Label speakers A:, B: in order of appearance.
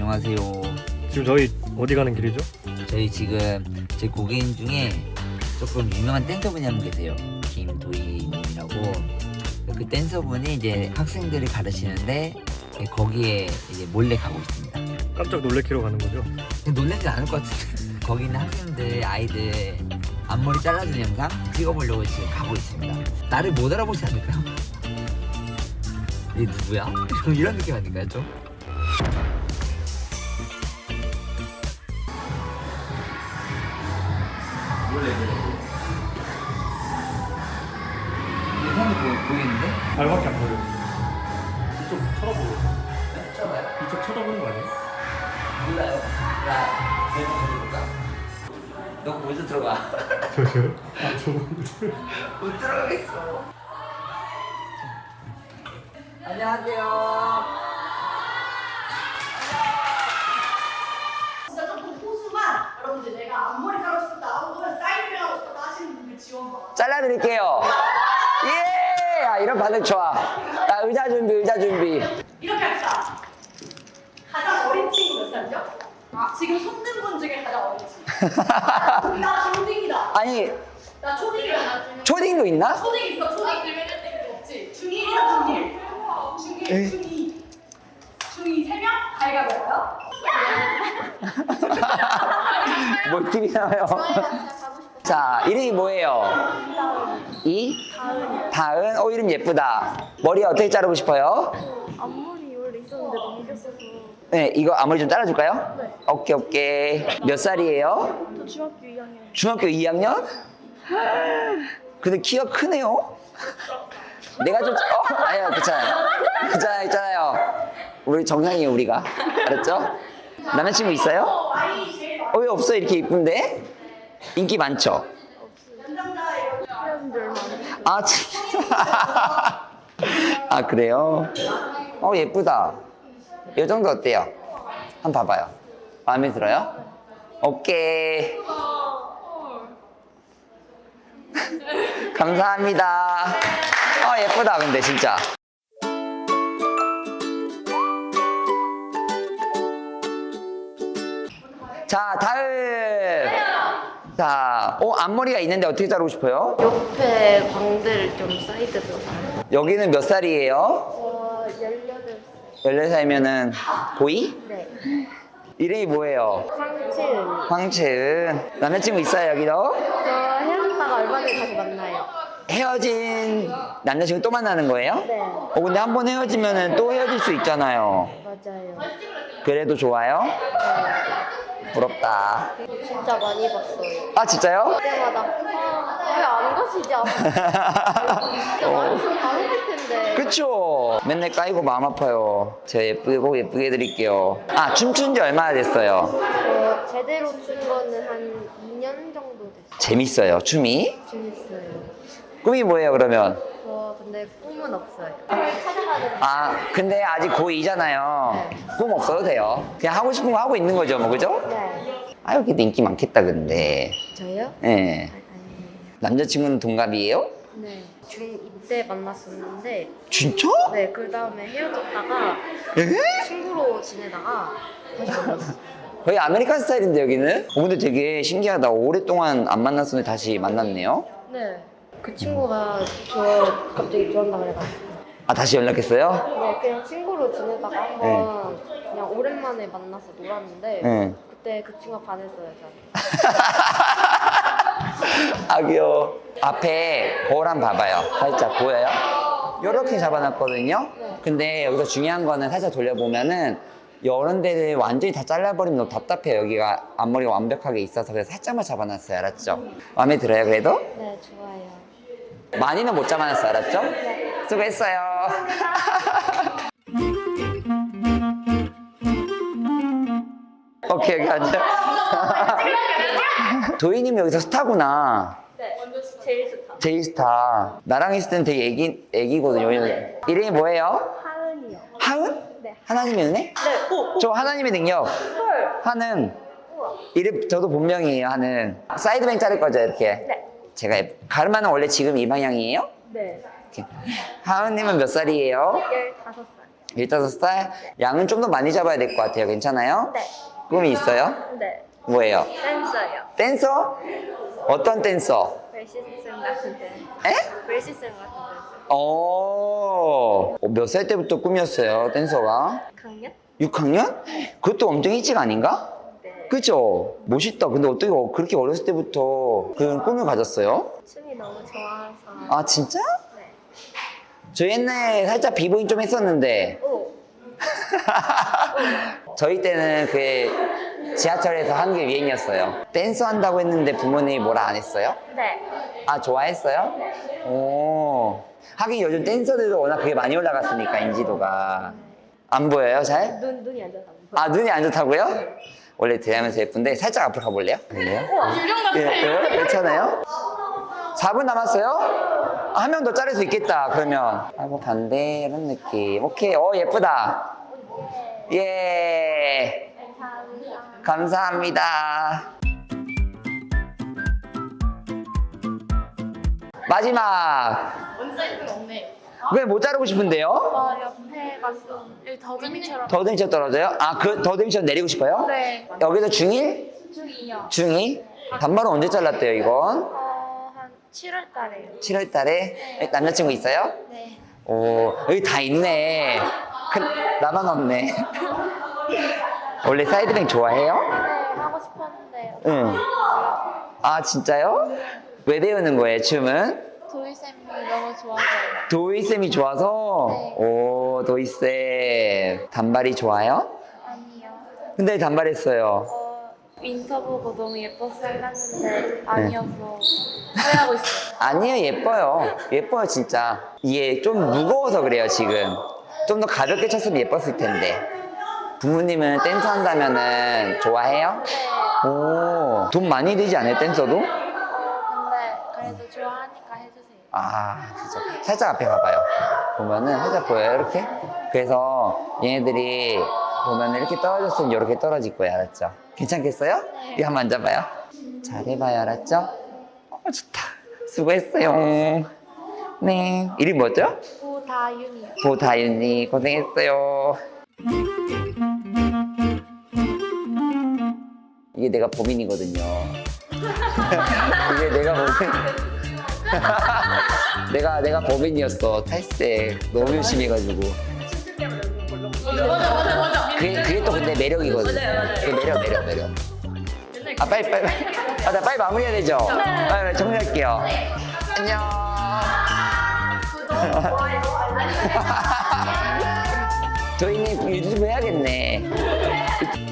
A: 안녕하세요.
B: 지금 저희 어디 가는 길이죠?
A: 저희 지금 제 고객님 중에 조금 유명한 댄서분이 한 분 계세요. 김도희님이라고. 그 댄서분이 이제 학생들을 가르치는데 거기에 이제 몰래 가고 있습니다.
B: 깜짝 놀래키러 가는 거죠?
A: 놀라지 않을 것 같은데 거기 있는 학생들 아이들 앞머리 잘라주는 영상 찍어보려고 지금 가고 있습니다. 나를 못 알아보지 않을까요? 얘 누구야? 이런 느낌 아닌가요 좀? 몰래 이 사람이 보이는데?
B: 발밖에 안 보여요. 이쪽 쳐다보고.
A: 쳐봐요.
B: 이쪽 쳐다보는 거 아니에요?
A: 몰라요. 나 내가 들어볼까? 너 먼저 들어가.
B: 저요? 아, 저거.
A: 못 들어가겠어. 안녕하세요.
C: 진짜 조금 소수만 여러분들 내가 앞머리 자르고 싶다 혹은 사이드 하고 싶다 하시는 분들 지원 받아.
A: 잘라드릴게요. 예! 아, 이런 반응 좋아. 자, 의자 준비, 의자 준비.
C: 이렇게 합시다. 가장 어린 친구 몇 살이죠? 지금 손든 분 중에 가장 어린 친구. 나 초딩이다.
A: 아니,
C: 나 초딩이야.
A: 초딩도 있나?
C: 초딩 있어. 초딩 없지. 중1이야 중1. 중1, 중2. 중2 3명? 가위가위바위보요?
A: 뭐 TV 나와요? 자, 이름이 뭐예요? 다은. 이름 예쁘다. 머리 어떻게 자르고 싶어요?
D: 앞머리 원래 있었는데 넘겼어서
A: 네, 이거 앞머리 좀 잘라줄까요?
D: 네.
A: 오케이. 몇 살이에요?
D: 저 중학교 2학년
A: 중학교 2학년? 근데 키가 크네요? 내가 좀, 아니요, 괜찮아요. 있잖아요. 우리 정상이에요, 우리가. 알았죠? 남자친구 있어요? 왜 없어? 이렇게 이쁜데? 인기 많죠?
D: 헤어진 지 얼마 안 됐어요.
A: 아, 아, 그래요? 예쁘다. 이 정도 어때요? 한번 봐봐요. 마음에 들어요? 오케이. 감사합니다. 예쁘다, 근데 진짜. 자, 다음. 자, 앞머리가 있는데 어떻게 자르고 싶어요?
D: 옆에 광대를 좀 사이드로
A: 여기는 몇 살이에요?
D: 18살
A: 14살이면은 고이?
D: 네
A: 이름이 뭐예요?
D: 황채은
A: 황채은. 남자친구 있어요, 여기도?
D: 저 헤어졌다가 얼마 전에 다시 만나요.
A: 헤어진 남자친구 또 만나는 거예요?
D: 네
A: 근데 한 번 헤어지면은 또 헤어질 수 있잖아요.
D: 맞아요.
A: 그래도 좋아요? 부럽다.
D: 진짜 많이 봤어요.
A: 아, 진짜요?
D: 그때마다 왜 안 가시지? 진짜 많이 다르실 텐데.
A: 그쵸? 맨날 까이고 마음 아파요. 제가 예쁘게 해드릴게요. 춤춘 지 얼마나 됐어요?
D: 제대로 춘 거는 한 2년 정도 됐어요.
A: 재밌어요, 춤이?
D: 재밌어요.
A: 꿈이 뭐예요, 그러면?
D: 저 근데 꿈은 없어요. 찾아가는
A: 근데 아직 고2잖아요. 꿈 없어도 돼요. 그냥 하고 싶은 거 하고 있는 거죠, 뭐, 그죠?
D: 네.
A: 여기도 인기 많겠다, 근데.
D: 저요?
A: 예.
D: 아니에요.
A: 남자친구는 동갑이에요?
D: 네. 중2 때 만났었는데
A: 진짜?
D: 네, 그 다음에 헤어졌다가
A: 에?
D: 친구로 지내다가 다시 만났어요.
A: 거의 아메리칸 스타일인데, 여기는? 근데 되게 신기하다. 오랫동안 안 만났었는데 다시 만났네요?
D: 네. 그 친구가 저 갑자기 좋아한다 그래가지고
A: 다시 연락했어요?
D: 네, 그냥 친구로 지내다가 한번 그냥 오랜만에 만나서 놀았는데
A: 네.
D: 그때 그 친구가 반했어요, 저한테.
A: 귀여워. 앞에 거울 한번 봐봐요. 살짝 보여요? 이렇게 잡아놨거든요?
D: 네.
A: 근데 여기서 중요한 거는 살짝 돌려보면은 이런 데를 완전히 다 잘라버리면 너무 답답해요. 여기가 앞머리가 완벽하게 있어서 그래서 살짝만 잡아놨어요. 알았죠? 마음에 들어요, 그래도?
D: 네, 좋아요.
A: 많이는 못 잡아놨어요. 알았죠? 수고했어요. 오케이, 여기 앉아. 도희님 여기서 스타구나.
D: 네, 제일 좋다.
A: 제이스타. 나랑 있을 때는 되게 애기거든요. 이름이 뭐예요?
D: 하은이요.
A: 하은?
D: 네.
A: 하나님의 은혜?
D: 네.
A: 저 하나님의 능력. 하는. 이름 저도 본명이에요. 하는. 사이드뱅 자를 거죠, 이렇게.
D: 네.
A: 제가 가르마는 원래 지금 이 방향이에요?
D: 네.
A: 이렇게. 하은님은 몇 살이에요?
D: 15살.
A: 15살? 양은 좀 더 많이 잡아야 될 것 같아요. 괜찮아요?
D: 네.
A: 꿈이 있어요?
D: 네.
A: 뭐예요?
D: 댄서요.
A: 댄서? 어떤 댄서?
D: 벨시스템 같은 댄서.
A: 에?
D: 벨시스템 같은 댄서.
A: 몇 살 때부터 꿈이었어요, 댄서가?
D: 강연?
A: 6학년? 그것도 엄청 일찍 아닌가?
D: 네.
A: 그죠? 멋있다. 근데 어떻게 그렇게 어렸을 때부터 그런 꿈을 가졌어요?
D: 춤이 너무 좋아서.
A: 아, 진짜?
D: 네.
A: 저 옛날에 살짝 비보잉 좀 했었는데,
D: 오.
A: 저희 때는 그 지하철에서 하는 게 유행이었어요. 댄스 한다고 했는데 부모님이 뭐라 안 했어요?
D: 네.
A: 아, 좋아했어요? 오. 하긴 요즘 댄서들도 워낙 그게 많이 올라갔으니까, 인지도가. 안 보여요, 잘?
D: 눈이 안 좋아서.
A: 아, 눈이 안 좋다고요? 원래 대하면서 예쁜데 살짝 앞으로 가볼래요? 그래요?
C: 유령 같아.
A: 예, 괜찮아요? 4분 남았어요? 한 명 더 자를 수 있겠다, 그러면. 아이고, 반대, 이런 느낌. 오케이, 예쁘다. 예. 감사합니다. 마지막.
C: 원 사이즈가 없네.
A: 왜 못 자르고 싶은데요?
D: 옆에가 좀 여기 더듬이처럼.
A: 더듬이처럼 떨어져요? 아, 그 더듬이처럼 내리고 싶어요?
D: 네.
A: 여기서 중1?
D: 중이요.
A: 중2? 단발은 언제 잘랐대요, 이건?
D: 한 7월 달에요.
A: 7월 달에? 남자친구 있어요?
D: 네.
A: 오, 여기 다 있네. 나만 없네. 원래 사이드뱅 좋아해요?
D: 네, 하고 싶었는데.
A: 응. 아, 진짜요? 왜 배우는 거예요, 춤은?
D: 도희쌤이 너무 좋아서요.
A: 도희쌤이 좋아서?
D: 네.
A: 오, 도희쌤. 단발이 좋아요?
D: 아니요.
A: 근데 단발했어요.
D: 인터 보고 너무 예뻐서 잘랐는데 아니어서 후회하고 있어요.
A: 아니에요, 예뻐요. 예뻐요, 진짜. 이게 좀 무거워서 그래요, 지금. 좀 더 가볍게 쳤으면 예뻤을 텐데. 부모님은 댄서 한다면은 좋아해요?
D: 네.
A: 오, 돈 많이 들지 않아요, 댄서도?
D: 근데 그래도 좋아하니까 해주세요.
A: 아, 그죠. 살짝 앞에 가봐요. 보면은 살짝 보여요, 이렇게? 그래서 얘네들이 보면은 이렇게 떨어졌으면 이렇게 떨어질 거예요, 알았죠? 괜찮겠어요?
D: 네.
A: 이거 한번 앉아봐요. 잘해봐요, 알았죠? 좋다. 수고했어요. 네. 이름 뭐죠?
D: 고다윤이요.
A: 보다윤이 고생했어요. 이게 내가 범인이거든요. 이게 내가 범인. 내가 범인이었어. 탈색 너무 열심히 해가지고.
C: 맞아.
A: 그게 또 근데 매력이거든. 그 매력. 아, 빨리. 아, 나 빨리 마무리해야 되죠? 빨리 정리할게요. 안녕. 저희는 유튜브 해야겠네.